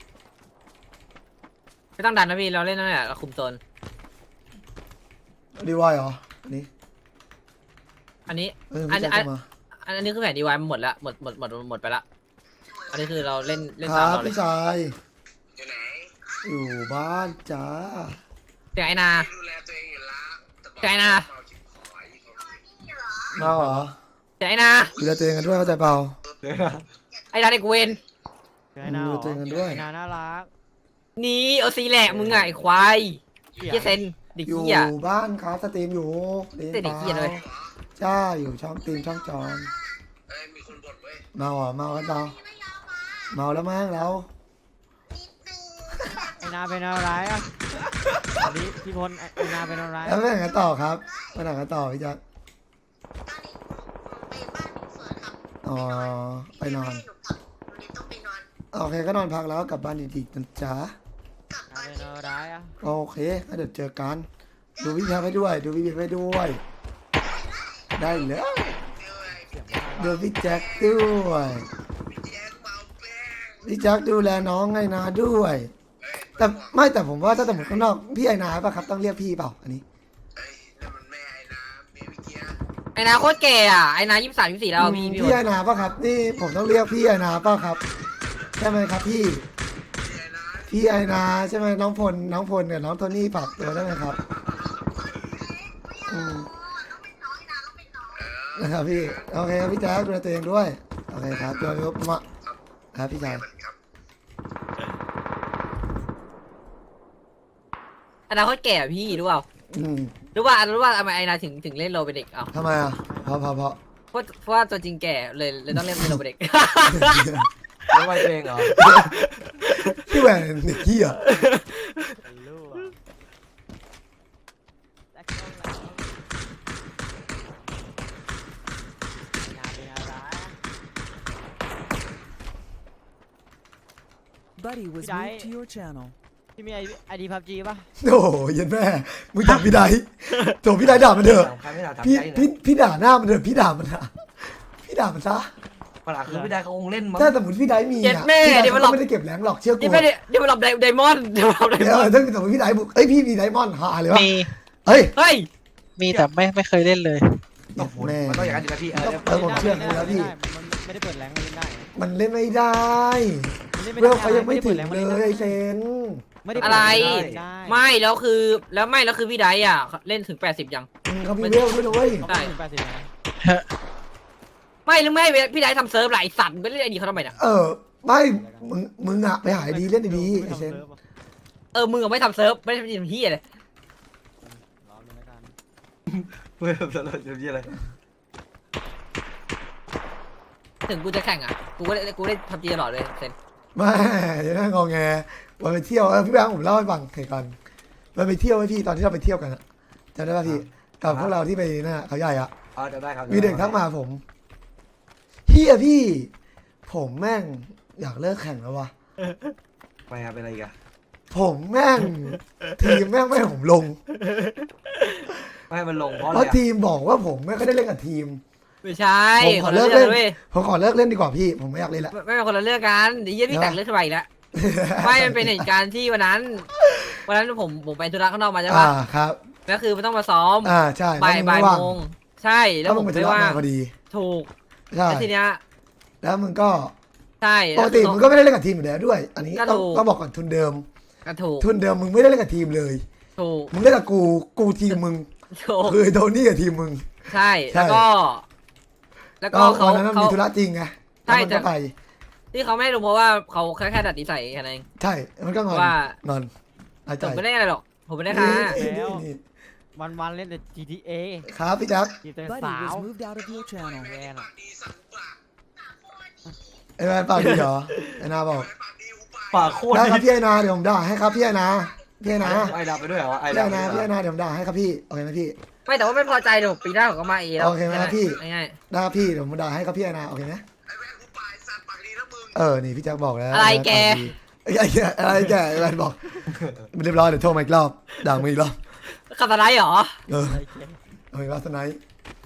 [SPEAKER 3] ไม่ต้องดันนะพี่เราเล่นนั่นแหละเราคุมโซน
[SPEAKER 1] ดีวายเหรออันนี้
[SPEAKER 3] อันนี้
[SPEAKER 1] เออ
[SPEAKER 3] อั
[SPEAKER 1] พี่
[SPEAKER 3] น
[SPEAKER 1] แจ็ค
[SPEAKER 3] อัน
[SPEAKER 1] เข้ามา
[SPEAKER 3] อันอันนี้คือแผนดีวายหมดละหมดหมดหมดหมดไปละอันนี้คือเราเล่นเล่น
[SPEAKER 1] ค
[SPEAKER 3] ตาม
[SPEAKER 1] รับ
[SPEAKER 3] เราเลย
[SPEAKER 1] พี่ชายอยู่บ้านจ้า
[SPEAKER 3] เสียงไอ้นาเสียงไอ้นา
[SPEAKER 1] มาเหรอ
[SPEAKER 3] เสียงไอ้นา
[SPEAKER 1] ดูแลตัวเองกันด้วยเข้าใจเปล่า
[SPEAKER 3] ไอ้นาเด็กเวน
[SPEAKER 4] เจอไอ้นาเหรอ
[SPEAKER 1] เจอกันด้วย
[SPEAKER 4] ไอ้นาน่ารัก
[SPEAKER 3] นี่เอาซีแหละมึงอะไอ้ควายเฮียเซนเด็ก
[SPEAKER 1] อยู่
[SPEAKER 3] เฮีย
[SPEAKER 1] บ้านครับสตรีมอยู่เล่น
[SPEAKER 3] เด็กเหี้ยเลย
[SPEAKER 1] ใช่อยู่ช่องตีมช่องจอนเมาเหรอเมากันเปล่าเมาแล้วมั้งแล้ว
[SPEAKER 4] ไอ้นาเป็นอะไรอ่ะสวัสดีพี่พลไอ้ไอ้นาเป็นอะไร
[SPEAKER 1] แล้วไปไหนกันต่อครับไปไหนกันต่อพี่แจ็คอ๋อไปนอนโอเคก็นอนพักแล้วกลับบ้านดีๆนะจ๊ะ
[SPEAKER 4] นาเป็นอะไรอ่ะ
[SPEAKER 1] โอเคงั้นเดี๋ยวเจอกัน ดูพี่แพรไปด้วย ดูพี่พีไปด้วย ได้แล้ว
[SPEAKER 4] เสียงน่า
[SPEAKER 1] ดู
[SPEAKER 4] รัก
[SPEAKER 1] พี่แจ็คด้วยพี่แจ็คดูแลน้องไงนาด้วย แต่ไม่แต่ผมว่าถ้าสมมติข้างนอกพี่ไอนาป่ะครับต้องเรียกพี่เปล่าอันนี้
[SPEAKER 3] ไอ้นาโคตรแก่อะไอ้นายี่สิบสามยี่สิบสี่แล้วอะพี่พี่
[SPEAKER 1] พี่ไอนาป่ะครับนี่ผมต้องเรียกพี่ไอนาป่ะครับใช่ไหมครับพี่ พี่ไอนาใช่ไหมน้องพลน้องพลกับน้องโทนี่ฝากตัวได้ไหมครับอืมนะครับพี่โอเคครับพี่แจ๊คดูแลตัวเองด้วยโอเคครับตัวนี้มาครับพี่ชาย
[SPEAKER 3] ไอ้นาโคตรแก่อะพี่รู้เปล่า
[SPEAKER 1] อืม
[SPEAKER 3] รู้ว่ารู้ว่าทำไมไอ้นาถึงถึงเล่นโรเป็นเด็กเอ้า
[SPEAKER 1] ทำไมอ่ะเพราะเพราะเพราะ
[SPEAKER 3] เพราะเพราะว่าตัวจริงแก่เลยเลยต้องเล่นเป็นโรเป็นเด็ก
[SPEAKER 2] ไม่ไหวตัวเองเหรอ
[SPEAKER 1] พี่แหวนเด็กเหี้ย
[SPEAKER 4] เป็นลูกอะแต่ก็รักไอ้นาเป็นอะไรอะ
[SPEAKER 5] Buddy was
[SPEAKER 4] Did I-
[SPEAKER 5] moved to your channel.
[SPEAKER 4] พี่มีไอไอดีพับจีป่ะ
[SPEAKER 1] โอ้ยยันแม่มึงด่าพี่ไดโถพี่ไดด่ามันเถอะ
[SPEAKER 2] ถามใครไม่ถามถาม
[SPEAKER 1] พี่
[SPEAKER 2] ใจ
[SPEAKER 1] พี่
[SPEAKER 2] นะ
[SPEAKER 1] พี่ด่าหน้ามันเถอะพี่ด่ามันนะพี่ด่ามันซะ
[SPEAKER 2] ปัญหาคือพี่ได้เขาคงเล่นมั้ง
[SPEAKER 1] ถ้าสมมติพี่ไดมี
[SPEAKER 3] เจ็ด
[SPEAKER 1] อ่ะ
[SPEAKER 3] แม่
[SPEAKER 1] พี่ได
[SPEAKER 3] เดี๋ยวมันหล
[SPEAKER 1] ก็
[SPEAKER 3] อก
[SPEAKER 1] ไม่ได้เก็บแรงหรอกเชื่อกู
[SPEAKER 3] นี่ไม่ได้เดี๋ยวมาหลบไดมอนด์เดี๋ยวมาหลบได
[SPEAKER 1] เอ
[SPEAKER 3] มอน
[SPEAKER 1] อ
[SPEAKER 3] ด์
[SPEAKER 1] ถ้าสมมติพี่ไดบุกเอ้ยพี่มีไดมอนด์หาเลยวะ
[SPEAKER 6] มี
[SPEAKER 1] เฮ้ย
[SPEAKER 3] เฮ้ย
[SPEAKER 6] มีแต่ไม่ไม่เคยเล่นเลย
[SPEAKER 2] โอ้โห
[SPEAKER 1] แม่
[SPEAKER 2] มันต้องอย่างนั้นอยู่แล้วพี่เออ
[SPEAKER 1] เออผมเชื่อคุณแล้วพี่
[SPEAKER 4] มันไม่ได้เปิดแรงมันเล่นได้
[SPEAKER 1] มันเล่นไม่ได้
[SPEAKER 4] มันล่น
[SPEAKER 1] เรื่องเขายังไม่ถึง
[SPEAKER 4] ด้
[SPEAKER 1] เล
[SPEAKER 4] ปิดแรง
[SPEAKER 1] ยไอเซน
[SPEAKER 4] ไม่ได้เปิด
[SPEAKER 3] อะไร
[SPEAKER 4] แงมันเล่นได้
[SPEAKER 3] ไม่แล้วคือแล้วไม่แล้วคือพี่ไดอ่ะเล่นถึงแปดสิบยัง
[SPEAKER 1] อืมเขามีเวลด้วยนะเว้ย
[SPEAKER 4] เขาไม่ถึงแปดสิบนะ
[SPEAKER 3] ไม่หรือไม่พี่ไดทำเซิร์ฟหลายสัตว์มึงไปเล่นไอดีเขาทำไมเนี่ย
[SPEAKER 1] เออไม่มึงมึงอะไปหาไอดีเล่นดีๆไอ
[SPEAKER 4] ไม่
[SPEAKER 1] เซ
[SPEAKER 4] ทำ
[SPEAKER 1] น
[SPEAKER 4] ซิร์ฟอะ
[SPEAKER 3] เออมึงอะไม่ทำเซิร์ฟไม่ได้ทำเฮียเลย
[SPEAKER 4] รอเลยแล้วกัน
[SPEAKER 2] เว้ยแบบสลดจะยี่อะไร
[SPEAKER 3] ถึงกูจะแข่งอ่ะกูก็เล่นกูเล่นพับจีตลอดเลยเซน
[SPEAKER 1] ไม่ยังนั่งงอแงวันไปเที่ยวเออพี่แบงค์ผมเล่าให้ฟังเหตุการณ์วันไปเที่ยวไว้พี่ตอนที่เราไปเที่ยวกันอะจำได้ป่ะพี่กับพวกเราที่ไปนั่นอะเขาใหญ่อะ
[SPEAKER 2] อ๋อจะได้ครับ
[SPEAKER 1] มีเด็กทักมาผมเฮียพี่ ผมแม่งอยากเลิกแข่งแล้ววะ
[SPEAKER 2] ไม่ครับเป็นอะไรอีกัน
[SPEAKER 1] ผมแม่ง ทีมแม่งไม่ให้ผมลง
[SPEAKER 2] ไม่ให้มันลงเพราะอะ
[SPEAKER 1] เพ
[SPEAKER 2] ไร
[SPEAKER 1] ราะ
[SPEAKER 2] อะ
[SPEAKER 1] ทีมบอกว่าผมไม่ค่อยได้เล่นกับทีม
[SPEAKER 3] ไม่ใช่
[SPEAKER 1] ผมข
[SPEAKER 3] ค
[SPEAKER 1] อน
[SPEAKER 3] ละ
[SPEAKER 1] เลิก
[SPEAKER 3] เรื่
[SPEAKER 1] เล่
[SPEAKER 3] อง
[SPEAKER 1] น
[SPEAKER 3] เว้ย
[SPEAKER 1] ผมขอเลิกเล่นดีกว่าพี่ ผมไม่อยากเล่นละ
[SPEAKER 3] ไม่ไม่เป็นคนละเรื่องกันเดี๋ยวเยี่ยพี่แต่งเรื่องขึ้นมาอีกแล้วไม่มันเป็นเหตุการณ์ที่วันนั้นวันนั้นผมผมไปธุระข้างนอกมาใช่
[SPEAKER 1] อ่า
[SPEAKER 3] ปะ
[SPEAKER 1] ครับ
[SPEAKER 3] แล้วคือมันต้องมาซ้อม
[SPEAKER 1] อ่าใช่
[SPEAKER 3] บ่าย
[SPEAKER 1] แล้ว
[SPEAKER 3] บ่าย
[SPEAKER 1] งว่าง
[SPEAKER 3] โมงใช่แล้ว
[SPEAKER 1] ถ้า
[SPEAKER 3] ผ
[SPEAKER 1] มึง
[SPEAKER 3] ม
[SPEAKER 1] ไป
[SPEAKER 3] ไม่
[SPEAKER 1] ธุระ
[SPEAKER 3] ว่าง
[SPEAKER 1] มาพอดี
[SPEAKER 3] ถูก
[SPEAKER 1] ใช่
[SPEAKER 3] แล้วทีเนี้ย
[SPEAKER 1] แล้วมึงก็
[SPEAKER 3] ใช่
[SPEAKER 1] ปกติมึงก็ไม่ได้เล่นกับทีมอยู่แล้วด้วย อันนี้
[SPEAKER 3] ก็
[SPEAKER 1] ต้อง
[SPEAKER 3] ถูก
[SPEAKER 1] ต้องบอกก่อนทุนเดิม
[SPEAKER 3] ก็ถูก
[SPEAKER 1] ทุนเดิมมึงไม่ได้เล่นกับทีมเลย
[SPEAKER 3] ถูก
[SPEAKER 1] มึงเล่นกับกูกูทีมมึง
[SPEAKER 3] ถูก
[SPEAKER 1] คือไอ้โทนี่กับทีมมึง
[SPEAKER 3] ใช่
[SPEAKER 1] ใช่
[SPEAKER 3] แล้วก็ แล้ว
[SPEAKER 1] ก็
[SPEAKER 3] ก็เขา
[SPEAKER 1] วันนั้นมัน
[SPEAKER 3] เขา
[SPEAKER 1] มีธุระจริงไง
[SPEAKER 3] ใช่
[SPEAKER 1] แล้วมัน
[SPEAKER 3] แต่
[SPEAKER 1] ก็ไป
[SPEAKER 3] ที่เขาไม่ให้ลงเพราะว่าเขาแค่แค่ดัดนิสัยแค่นั้นเอง
[SPEAKER 1] ใช่ มันก็งอน
[SPEAKER 3] ว่า
[SPEAKER 1] งอนอาใจ
[SPEAKER 3] ผมไม่ได้อะไรหรอกผมไม่ได้ค่ะ
[SPEAKER 1] นี่นี่นี่
[SPEAKER 4] วันวันๆเล่นแต่ จี ที เอ
[SPEAKER 1] ครับพี่แจ๊ค
[SPEAKER 4] จีบแต่
[SPEAKER 5] Buddy
[SPEAKER 4] สาว
[SPEAKER 5] was moved out of your channel.
[SPEAKER 4] แวนอะ
[SPEAKER 1] ไอ้แวนปากดีเหรอไอ้นาบอก
[SPEAKER 2] ปากโคตร
[SPEAKER 1] ได้ครับพี่ไอ้นาเดี๋ยวผมด่าให้ครับพี่ไอ้นาพี่ไอ้นา
[SPEAKER 2] ไอ้ดำไปด้วยเหรอไอ้
[SPEAKER 1] พี่ไอ้
[SPEAKER 2] ดำ
[SPEAKER 1] นาพี่ไอ้นาเดี๋ยวผมด่าให้ครับพี่โอเคไหมพี่
[SPEAKER 3] ไม่แต่ว่าไม่พอใจเดี๋ยวปีหน้าผมก็มาเองแล้ว
[SPEAKER 1] โอเคไหมครับพี่
[SPEAKER 3] ง่าย
[SPEAKER 1] ได้ครับพี่เดี๋ยวผมด่าให้ครับพี่ไอ้นาโอเคไหมเออนี่พี่แจ็คบอกแล้ว
[SPEAKER 3] ๆอะไรแก
[SPEAKER 1] ไอ้แกอะไรแกไอ้แวนบอกเรียบร้อยเดี๋ยวโทรมาอีกรอบด่ามึงอีกรอบ
[SPEAKER 3] ขับอะไรเหรอ
[SPEAKER 1] เออเอาอีกรอบสไนป์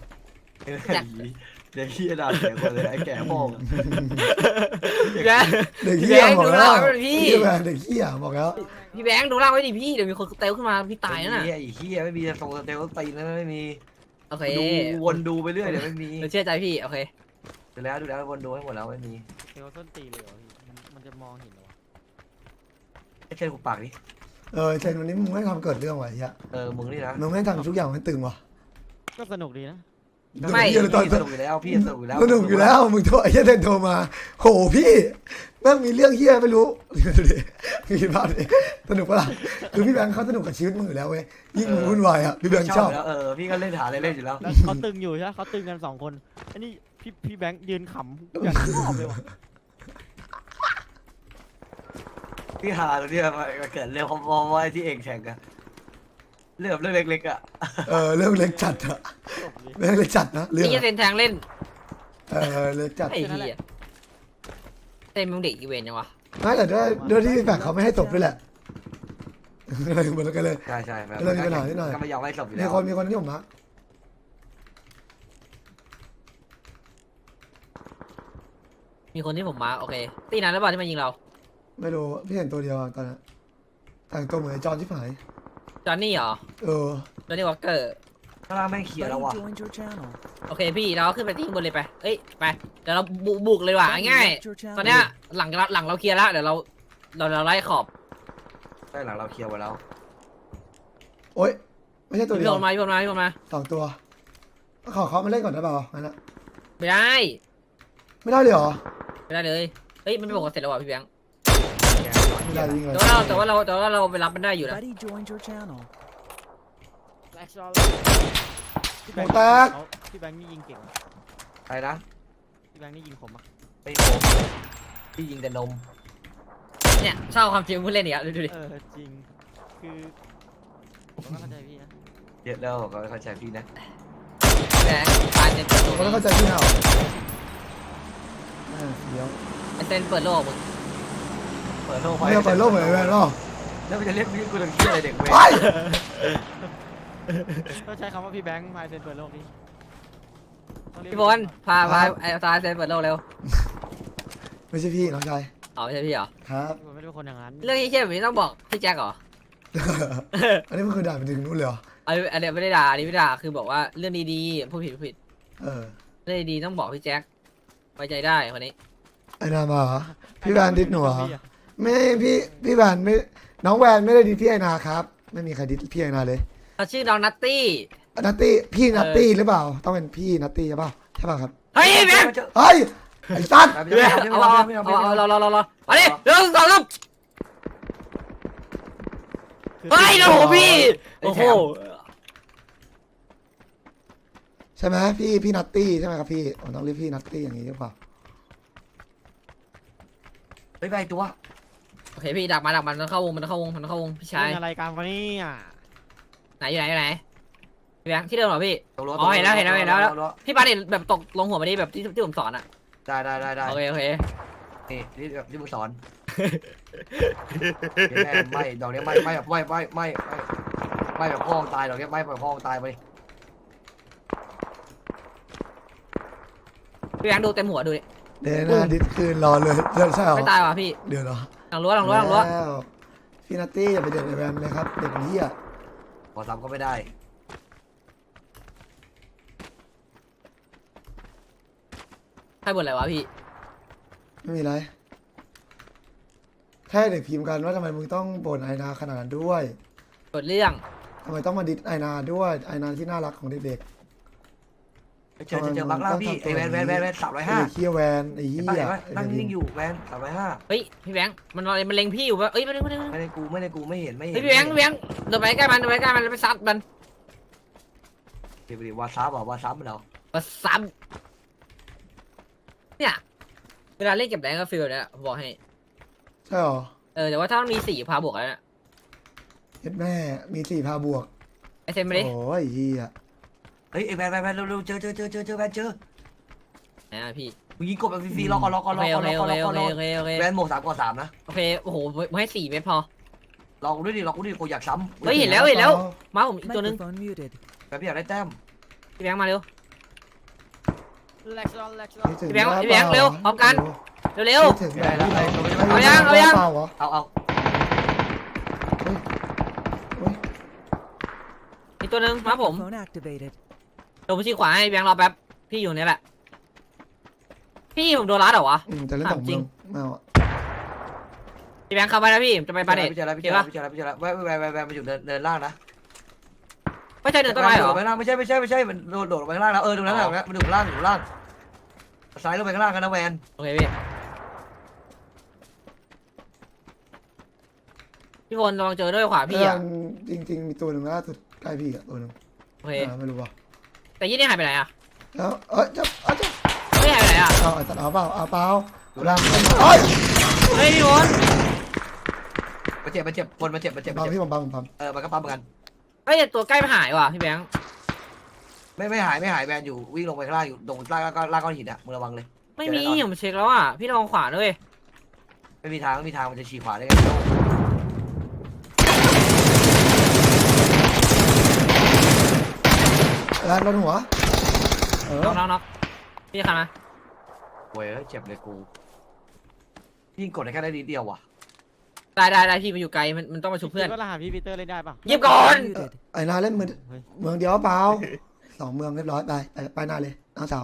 [SPEAKER 2] เดี๋ยวพี่ด่าเสียคนเลยไอ้แก่พ่อ
[SPEAKER 3] แก
[SPEAKER 1] เด็กเหี้ยบอกแล้ว
[SPEAKER 3] แบงค์ดูหน้าไว้ดิพี่
[SPEAKER 1] เหี้ยแวนเด็กเหี้ยบอกแล้ว
[SPEAKER 3] พี่แบงค์ดูล่างไว้ดิพี่เดี๋ยวมีคนเตลขึ้นมาพี่ตายนะน่ะ
[SPEAKER 2] ไอ้เหี้ยไม่มีทรงสเตลตีนนะไม่มี
[SPEAKER 3] โอเค
[SPEAKER 2] ดูวนดูไปเรื่อยเดี๋ยวไม่มี
[SPEAKER 3] เราเชื่อใจพี่โอเค
[SPEAKER 2] ดูแล้วดูแล้ววนดูให้หมดแล้วไม่มี
[SPEAKER 4] เทลส้นตีนเลยเหรอพี่มันมันจะมองเห็นเหรอวะ
[SPEAKER 2] ไอ้เช่นกูปากดิ
[SPEAKER 1] เออเชนวันนี้มึงไม่ทำเกิดเรื่องว่ะไอ้เหี้ย
[SPEAKER 2] เออมึงนี่นะ
[SPEAKER 1] มึงไม่ทำทุกอย่างมันตึงว่ะ
[SPEAKER 4] ก็สนุกดีนะ
[SPEAKER 3] ไม่
[SPEAKER 1] เหี้ยเลยตอน
[SPEAKER 2] พี่สนุกอยู่แล้วพี่สนุกอยู่แล้ว
[SPEAKER 1] สนุกอยู่แล้วมึงโทรไอ้เหี้ยเทนโทรมาโหพี่แม่งมีเรื่องเหี้ยไม่รู้ดูดิมีภาพดิสนุกปะล่ะคือพี่แบงค์เขาสนุกกับชีวิตมึงอยู่แล้วเว้ยยิ่งมึงวุ่นวายอ่ะพี่แบงค์ชอบ
[SPEAKER 2] แล้วเออพี่ก็เล่นหาอะไรเล่นอยู่แล้ว
[SPEAKER 4] แล้วเขาตึงอยู่ใช่ไหมเขาตึงกันสองคนอันนี้พี่พี่แบงค์ยืนขำอย่างชอบเลยวะ
[SPEAKER 2] พี่หาตรงนี้มาเกิดเรื่องพอๆว่าไอ้ที่เองแข่งอะเรื่องเรื่องเล็กๆอะ
[SPEAKER 1] เออเรื่องเล็กจัดอะ
[SPEAKER 4] จบเลย
[SPEAKER 1] เรื่องเล็กจัดนะเรื่อง
[SPEAKER 3] นี่จะ
[SPEAKER 1] อะ
[SPEAKER 3] เซนแทงเล่น
[SPEAKER 1] เออเล็กจัด
[SPEAKER 3] ไอ้เหี้ยเต้นมึงเด็กอีเวนต์ยังวะ
[SPEAKER 1] น่าจะด้วยด้วยที่พี่แบงค์เขาไม่ให้ตบด้วยแหละอะไรเหมือนกันเลย
[SPEAKER 2] ใช่ใช่แบบ
[SPEAKER 1] เรื่องนี้ปัญหานิดหน่อย
[SPEAKER 2] ก็ไม่ยอมให้ศพอยู่
[SPEAKER 1] มี
[SPEAKER 2] แล้ว
[SPEAKER 1] คนมีคนที่ผมนะ
[SPEAKER 3] มีคนที่ผมมาร์คโอเคตีนั้นแล้วเปล่าที่มายิงเรา
[SPEAKER 1] ไม่รู้พี่เห็นตัวเดียวอะตอนนั้นแต่งตัวเหมือนไอ้จอนที่หาย
[SPEAKER 3] จอห์นนี่เหรอ
[SPEAKER 1] เออ
[SPEAKER 3] จอห์นนี่วอลเกอร์
[SPEAKER 2] ข้างล่างแม่งเขียนแล้วว่ะ
[SPEAKER 3] โอเคพี่เราขึ้นไปที่ข้างบนเลยไปเอ้ยไปเดี๋ยวเราบุกบุกเลยว่ะง่ายๆตอนเนี้ยหลังหลังเราเคลียร์แล้วเดี๋ยวเราเราเราไล่ขอบ
[SPEAKER 2] ใช่หลังเราเคลียร์ไว้แล้ว
[SPEAKER 1] โอ๊ยไม่ใช่ตัวเดี
[SPEAKER 3] พี่
[SPEAKER 1] ยว
[SPEAKER 3] โดนมาพี่โดนมาพี่โดนมา
[SPEAKER 1] สองตัวขอเขามาเล่นก่อนได้เปล่างั้นอะ
[SPEAKER 3] ไม่ได้
[SPEAKER 1] ไม่ได้เลยเหรอ
[SPEAKER 3] ไม่ได้เลยเฮ้ยมันไม่บอกว่าเสร็จแล้วว่ะพี่แบงค์
[SPEAKER 1] ไม่ได้ยิงเลย
[SPEAKER 3] แต่ว่าเราแต่ว่าเราแต่ว่าเราไปรับมันได้อยู่นะ
[SPEAKER 5] Buddy joined your channel.
[SPEAKER 4] แบ็คชอลพี่
[SPEAKER 1] ห
[SPEAKER 4] แบ
[SPEAKER 1] มู
[SPEAKER 4] งค์
[SPEAKER 1] แตก
[SPEAKER 4] เขาพี่แบงค์นี่ยิงเก่งอะ
[SPEAKER 2] ใครนะ
[SPEAKER 4] พี่แบงค์นี่ยิงผมอะ
[SPEAKER 2] ไม่โกงพี่ยิงแต่นม
[SPEAKER 3] เนี่ยชอบความจริงผู้เล่นอีกแล้วดูดิ
[SPEAKER 4] เออจริงคือผมก็เข้าใจพี่นะ
[SPEAKER 2] เยอะแล้วก็เข้าใจพี่นะ
[SPEAKER 3] แบงค์ตายเต็มตัว
[SPEAKER 1] เขาต้องเข้าใจพี่นะเหรอแม่เดี๋ยว
[SPEAKER 3] ไอเซนเปิดโลกมึง
[SPEAKER 2] เปิดโลก
[SPEAKER 1] ไม่เอาเปิดโลกเหมือนไอ้แวนหรอ
[SPEAKER 2] แล้วมันจะเรียกพี่กูทำเหี้ยอะไรเด็กเว้ย
[SPEAKER 1] ไป
[SPEAKER 4] ต้องใช้คำว่าพี่แบงค์พายเซนเปิดโลกนี้ต้องเรียก
[SPEAKER 3] พี่บอลพาพาไอ้ตาเซนเปิดโลกเร็ว
[SPEAKER 1] ไม่ใช่พี่น้องชาย
[SPEAKER 3] อ๋อไม่ใช่พี่เหรอ
[SPEAKER 1] ครับ
[SPEAKER 4] พี่บอลไม่ได้เป็นคนอย่างนั้น
[SPEAKER 3] เรื่องที่เช่นแบบนี้ต้องบอกพี่แจ็คเหรอ
[SPEAKER 1] อันนี้มันคือด่าไปถึงนู้นเลยเหรอ
[SPEAKER 3] อันนี้อันนี้ไม่ได้ด่าอันนี้ไม่ได้ด่าคือบอกว่าเรื่องดีๆพูดผิดพูดผิด
[SPEAKER 1] เออ
[SPEAKER 3] เรื่องดีๆต้องบอกพี่แจ็คไว้ใจได้คนนี้
[SPEAKER 1] ไอ้นามาเหรอพี่แวนดิสหนูเหรอไม่พี่พี่แวนไม่น้องแวนไม่ได้ดิสพี่ไอนาครับ ไม่มีใครดิสพี่ไอนาเลย
[SPEAKER 3] เขาชื่อน้องนัตตี้
[SPEAKER 1] นัตตี้พี่นัตตี้หรือเปล่า ต้องเป็นพี่นัตตี้ใช่เปล่าใช่ป่ะครับ
[SPEAKER 3] เฮ้ยแบงค์
[SPEAKER 1] เฮ้ยไอ้สัตว์
[SPEAKER 3] เอาเอาเอาเอาเราเราเราเราเอาดิเรื่องสองลูกเฮ้ยโอ้โหพี่โอ้โห
[SPEAKER 1] ใช่ไหมพี่พี่นัตตี้ใช่ไหมครับพี่ผมต้องเรียกพี่นัตตี้อย่างนี้หรือเปล่า
[SPEAKER 2] ไปไปตัว
[SPEAKER 3] โอเคพี่ดักมาดักมันมันเข้าวงมันเข้าวงมันเข้าวงพี่ชาย
[SPEAKER 4] เป็นอะไรกันวะเนี่ย
[SPEAKER 3] ไหนอยู่ไหนอยู่ไหนพี่แบงค์ที่เดิมเหรอพี่
[SPEAKER 2] ตกรถ
[SPEAKER 3] อ๋อเห็นแล้วเห็นแล้วเห็นแล้วพี่ปาเนี่ยแบบตกลงหัวมาดิแบบที่ที่ผมสอนอ่ะ
[SPEAKER 2] ได้ได้ได้ได้
[SPEAKER 3] โอเคโอเค
[SPEAKER 2] นี่นี่แบบที่มึงสอนแม่ไม่ดอกนี้ไม่ไม่แบบไม่ไม่ไม่ไม่ไม่แบบพ่อตายดอกนี้ไม่แบบพ่อตายไป
[SPEAKER 3] พี่แบงค์ดูเต็มหัวดูดิ
[SPEAKER 1] เดยวนาดิสคืนรอเลยใช่เหรอ
[SPEAKER 3] ไม่ตายว่ะพี่
[SPEAKER 1] เดี๋ยวเหรอ
[SPEAKER 3] หลังรั้วหลังรั้วหลังรั้ว
[SPEAKER 1] แล้วพี่นัตตี้อย่าไปเด็ดไอ้แวนเลยครับเด็กเหี้ย
[SPEAKER 2] พอซ้ำก็ไม่ได้
[SPEAKER 3] ใครบ่นอะไรวะพี่
[SPEAKER 1] ไม่มีไรแค่เด็กพิมพ์กันว่าทำไมมึงต้องบ่นไอนาขนาดนั้นด้วย
[SPEAKER 3] กดเรื่อง
[SPEAKER 1] ทำไมต้องมาดิสไอนาด้วยไอนาที่น่ารักของเด็ก
[SPEAKER 2] เจอเจอบักล่างพี่ไอแวนแวนแวนแวนสามร้อย
[SPEAKER 1] ๆ
[SPEAKER 2] ห้า
[SPEAKER 1] ไอ้เคี้ยแวนไอ้
[SPEAKER 2] เห็น
[SPEAKER 1] เหี้
[SPEAKER 2] ปะ
[SPEAKER 1] ย
[SPEAKER 2] เห็นปะนั่งนิ่งอยู่แวนสามร้อยห้า
[SPEAKER 3] เฮ้ยพี่แบงค์มันมันเล็งพี่อยู่ปะเอ้ยไม่ได้ไม่ได้ไม่ได้
[SPEAKER 2] ไม่ได้กูไม่ได้กูไม่เห็นไม่เห็น
[SPEAKER 3] เฮ้ยพี่แบงค์พี่แบงค์เดินไปใกล้มันเดินไปใกล้มันแล้วไปซัดมัน
[SPEAKER 2] เดี๋ยวไปดิวาซับอ่ะวาซับมันเหรอ
[SPEAKER 3] มาซัดเนี่ยเวลาเล่นเก็บแรงก็ฟีลเนี่ยผมบอกให้
[SPEAKER 1] ใช่หรอ
[SPEAKER 3] เออแต่ว่าถ้ามันมีสี่พาบวกแล้วเนี่ย
[SPEAKER 1] เฮ็ดแม่มีสี่พาบวก
[SPEAKER 3] ไอเซนไม่ได้
[SPEAKER 1] โอ้ยเฮีย
[SPEAKER 2] เฮ้ยไอ้แวนแวนแวนเร็วๆเจอเจอเจอเจอเจอแวนเจอ
[SPEAKER 3] ไหนอะพี่
[SPEAKER 2] มึงยิงกบแบบฟรีๆรอก่อนรอก่อน
[SPEAKER 3] โอ
[SPEAKER 2] รอ
[SPEAKER 3] เค
[SPEAKER 2] ก่
[SPEAKER 3] โอ
[SPEAKER 2] อนร
[SPEAKER 3] เค
[SPEAKER 2] อ
[SPEAKER 3] โอ
[SPEAKER 2] ก่อน
[SPEAKER 3] เค
[SPEAKER 2] รอ
[SPEAKER 3] โอ
[SPEAKER 2] ก่อน
[SPEAKER 3] เค
[SPEAKER 2] รอ
[SPEAKER 3] โอเคโอเค
[SPEAKER 2] แวนโหมดสามก่อนสามนะ
[SPEAKER 3] โอเคโอ้โหมึงให้สี่ไม่พอ
[SPEAKER 2] รอกูด้วยดิรอกูด้วยกูอยากซ้ำ
[SPEAKER 3] เฮ้ยเห็นแล้วเห็นแล้วมาผมอีกตัวนึง
[SPEAKER 2] แวนพี่อยากได้แต้ม
[SPEAKER 3] พี่แบงค์มาเร็ว
[SPEAKER 4] แลกซ์ลอนแลกซ์ลอน
[SPEAKER 1] คิดถึง
[SPEAKER 3] พี่แบงค์
[SPEAKER 1] หน้า
[SPEAKER 3] พี่แบงค์เร็วพร้อมกัน เร็ว
[SPEAKER 1] คิดถึงหน้าเปล่า
[SPEAKER 3] เอายังเอายัง
[SPEAKER 1] เปล่าเหรอ
[SPEAKER 2] เอาเอา
[SPEAKER 1] เฮ้ย
[SPEAKER 3] ๆอีกตัวนึงมาผมเดี๋ยวผมชี้ขวาให้พี่แบงค์รอแป๊บพี่อยู่เนี่ยแหละพี่ผมโดนรัดเหรอวะ
[SPEAKER 1] อืมจะเล่นสอง
[SPEAKER 3] จริ
[SPEAKER 1] เมือง งไม่เอาอะ
[SPEAKER 3] พี่แบงค์เข้าไปนะพี่จะไปปาเด็ด
[SPEAKER 2] พี่เจอแล้วพี่เจ
[SPEAKER 3] เห็
[SPEAKER 2] อน แล้
[SPEAKER 3] ปะ
[SPEAKER 2] วพี่เจอแล้วพี่เจอแล้วแวนแวนแวนแวนมันอยู่เดินเดินล่างนะ
[SPEAKER 3] ไม่ใช่เดินต้นไม้เหรอ
[SPEAKER 2] โดดไปข้างล่างไม่ใช่ไม่ใช่ไม่ใช่มันโดดโดดลงไปข้างล่างแล้วเออตรงนั้นแหละมันอยู่ข้างล่างอยู่ข้างล่างซ้ายลงไปข้างล่างกันนะแวน
[SPEAKER 3] โอเคพี่พี่พลระวังเจอด้วยขวาพี่อ่ะ
[SPEAKER 1] จริงจริง ๆ มีตัวหนึ่งล่าสุดใกล้พี่อ่ะตัวหนึ่ง
[SPEAKER 3] โอเค
[SPEAKER 1] อ่าไม่รู้ว่ะ
[SPEAKER 3] แต่ยี่นี่หายไปไหนอ่ะ
[SPEAKER 1] แล้วเอ้ยจะเอาจะ
[SPEAKER 3] ไม่หายไปไหนอ่ะ
[SPEAKER 1] เอาไอ้ตัดเอาเปล่าเอาเปล่าเอาล่างเอ้ย
[SPEAKER 3] เฮ้ยพี่พล
[SPEAKER 2] มันเจ็บมันเจ็บคนมันเจ็บมันเจ็บมัน
[SPEAKER 1] บัง
[SPEAKER 2] เจ็บ
[SPEAKER 1] พี่ผมบังผมบัง
[SPEAKER 2] เออมันก็ปั๊มเหมือนกัน
[SPEAKER 3] เฮ้ยแต่ตัวใกล้ไม่หายว่ะพี่แบงค์
[SPEAKER 2] ไม่ไม่หายไม่หายแวนอยู่วิ่งลงไปข้างล่างอยู่ตรงล่างล่างล่างก้อนหินอ่ะมึงระวังเลย
[SPEAKER 3] ไม่มีผมเช็คแล้วอ่ะพี่ระวังขวาด้วย
[SPEAKER 2] ไม่มีทางไม่มีทางมันจะฉีกขวาได้ไง
[SPEAKER 1] แล้วโดนหัวเออ
[SPEAKER 3] น็อกน็อกน็อกพี่จะขันมา
[SPEAKER 2] โว้ยเจ็บเลยกูยิงกดได้แค่ได้นิดเดียวว่ะ
[SPEAKER 3] ได้ได้ได้พี่มันอยู่ไกลมันมันต้องมาชุบเพื่อน
[SPEAKER 4] คิดว่ารหัสพี่ปีเตอร์เล่นได้ปะ
[SPEAKER 3] เยี่ยมก่อน
[SPEAKER 1] เออไอ้นาเล่นมือ
[SPEAKER 4] เฮ้ย
[SPEAKER 1] เมืองเดียวเปล่าสองเมืองเรียบร้อยไปไปไปหน้าเลยน้องสาว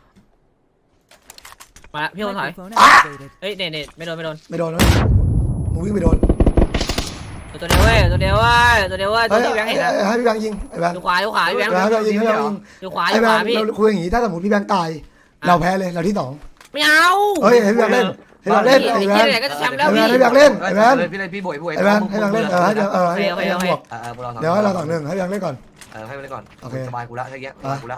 [SPEAKER 3] มาละพี่พลถอย
[SPEAKER 1] อ่ะ
[SPEAKER 3] เฮ้ยเน็ตเน็ตไม่โดนไม่โดน
[SPEAKER 1] ไม่โดนนะมึงวิ่งไปโดน
[SPEAKER 3] ตัวเดียวเว้ยตัวเดียวเว้ยตัวเดียวเว้ยตัว
[SPEAKER 1] เฮ้ย
[SPEAKER 3] ที่แบงค์เห็นนะ
[SPEAKER 1] เอ้ยให้พี่แบงค์ยิงไอ้แบงค์
[SPEAKER 3] ดูขวาดูขวาพี่แบงค์
[SPEAKER 1] ให้พี่แบงค์ยิงให้พี่แบงค์ยิง
[SPEAKER 3] ดูขวา
[SPEAKER 1] ไอ้
[SPEAKER 3] ดู
[SPEAKER 1] แบ
[SPEAKER 3] ขวาง
[SPEAKER 1] ค์
[SPEAKER 3] พี่
[SPEAKER 1] เราคุยอย่างงี้ถ้าสมมติพี่แบงค์ตาย เราแพ้เลยเราที่สอง
[SPEAKER 3] ไม่เอา
[SPEAKER 1] เฮ้ยให้พี่แบงค์เล่นให้พี่แบงค์เล่นไอ้แบงค์
[SPEAKER 3] ไหนก็จะแชมป์แล้ว
[SPEAKER 1] ไอ้แบ
[SPEAKER 3] พี่
[SPEAKER 1] งค์ให้พี่แบงค์เล่นไอ้แบงค์
[SPEAKER 2] พี่เลยพี่บวยพี่บวย
[SPEAKER 1] ไอ้แบงค์ให้แบงค์เล่นเออให้แบงค์เออให้ให้แบงค์บวก
[SPEAKER 2] เออพวกเรา
[SPEAKER 1] เดี๋ยวให้เราสองหนึ่งให้แบงค์เล่นก่อน
[SPEAKER 2] เออให้มันเล่นก่อน
[SPEAKER 1] โอเค
[SPEAKER 2] สบายกูละแค่เงี้ยสบายกูละ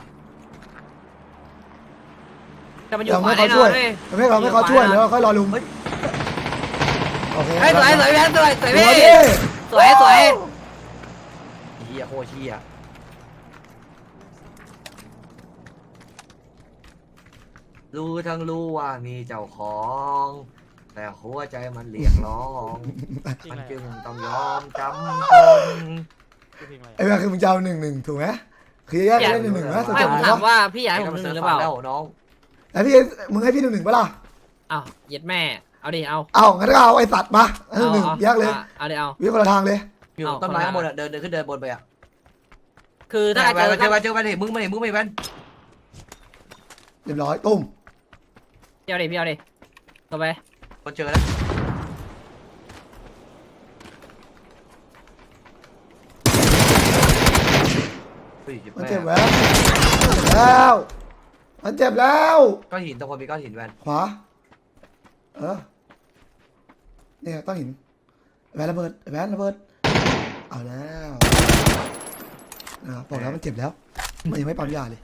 [SPEAKER 3] แต่มันอยู่
[SPEAKER 1] ยัง
[SPEAKER 3] ขวา
[SPEAKER 1] ไม่
[SPEAKER 3] แน่
[SPEAKER 1] เขา
[SPEAKER 3] น
[SPEAKER 1] ช่
[SPEAKER 3] อ
[SPEAKER 1] วย
[SPEAKER 3] นเว้ย
[SPEAKER 1] ไม่เขาไม่เขาช่วยแล้วค่อยรอลุมโอเค
[SPEAKER 3] เฮ้ยสวยสวยแบงค์สวยสวย
[SPEAKER 1] สวย
[SPEAKER 3] พี่
[SPEAKER 1] ดิ
[SPEAKER 3] สวยสวย
[SPEAKER 2] เฮียโคตรเฮียรู้ทั้งรู้ว่ามีเจ้าของ แต่หัวใจมันเรียกร้อง
[SPEAKER 4] จริง
[SPEAKER 2] มัน
[SPEAKER 4] เลย
[SPEAKER 2] จึงต้องยอมจำทน
[SPEAKER 4] เพลงอะไร
[SPEAKER 1] ไอ้แบงค์คือมึงจะเอาหนึ่งหนึ่งถูกไหมคือแยกเล่นหนึ่งหนึ่งนะสุด
[SPEAKER 3] ไม่
[SPEAKER 1] จบ
[SPEAKER 3] ผม
[SPEAKER 1] เลย
[SPEAKER 3] ถาม
[SPEAKER 1] นะ
[SPEAKER 3] ว่าพี่อยากให้ผมหนึ่งหรือเปล่า
[SPEAKER 2] แล้วน้อง
[SPEAKER 1] แล้วพี่มึงให้พี่หนึ่งหนึ่งปะล่ะ
[SPEAKER 3] อ้าวเย็ดแม่เอาดิเอา
[SPEAKER 1] เอางั้นก็เอาไอ้สัตว์มาหนึ่งหนึ่งแยกเลย
[SPEAKER 3] เอาดิเอา
[SPEAKER 1] วิ่งคนละทางเลย
[SPEAKER 2] อยู่ต้นไม้ข้างบนอ่ะเดินเดินขึ้นเดินบนไปอ่ะ
[SPEAKER 3] คือถ้า
[SPEAKER 2] ไป
[SPEAKER 3] เจอ
[SPEAKER 2] ไปเจอไปเจอไปเห็นมึงไม่เห็นมึงไม่แว่น
[SPEAKER 1] เรียบร้อยตุ้ม
[SPEAKER 3] พี่เอาดิพี่เอาดิเข้าไป
[SPEAKER 2] คนเจอแล้ว
[SPEAKER 1] มันเจ็บแล้วแล้วมันเจ็บแล้ว
[SPEAKER 2] ก้อนหินตรงคนมีก้อนหินแว่น
[SPEAKER 1] ขวาเออเนี่ยต้องหินแวนระเบิดแวนระเบิดเอาแล้วนะบอกแล้วมันเจ็บแล้วมันยังไม่ปั๊มยาเลย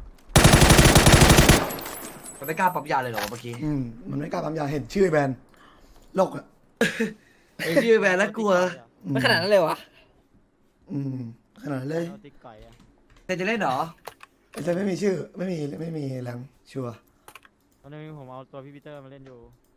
[SPEAKER 2] มันไม่กล้าปั๊มยาเลยหรอเมื่อกี้
[SPEAKER 1] อืมมันไม่กล้าปั๊มยาเห็นชื่อแบรนด์โลกอ่ะ
[SPEAKER 2] ไอ้ชื่อแวนแล้วกลัว
[SPEAKER 1] อืม
[SPEAKER 3] ไม่ขนาดนั้นเลยวะ
[SPEAKER 1] อืมขนาดนั้นเลย
[SPEAKER 4] เอาติ๊กไก่อะ
[SPEAKER 2] เธอจะเล่นเหรอ
[SPEAKER 1] ไอ้เจไม่มีชื่อไม่มีไม่มีแรงชัวร์
[SPEAKER 4] ตอนนี้ผมเอาตัวพี่ปีเตอร์มาเล่นอยู่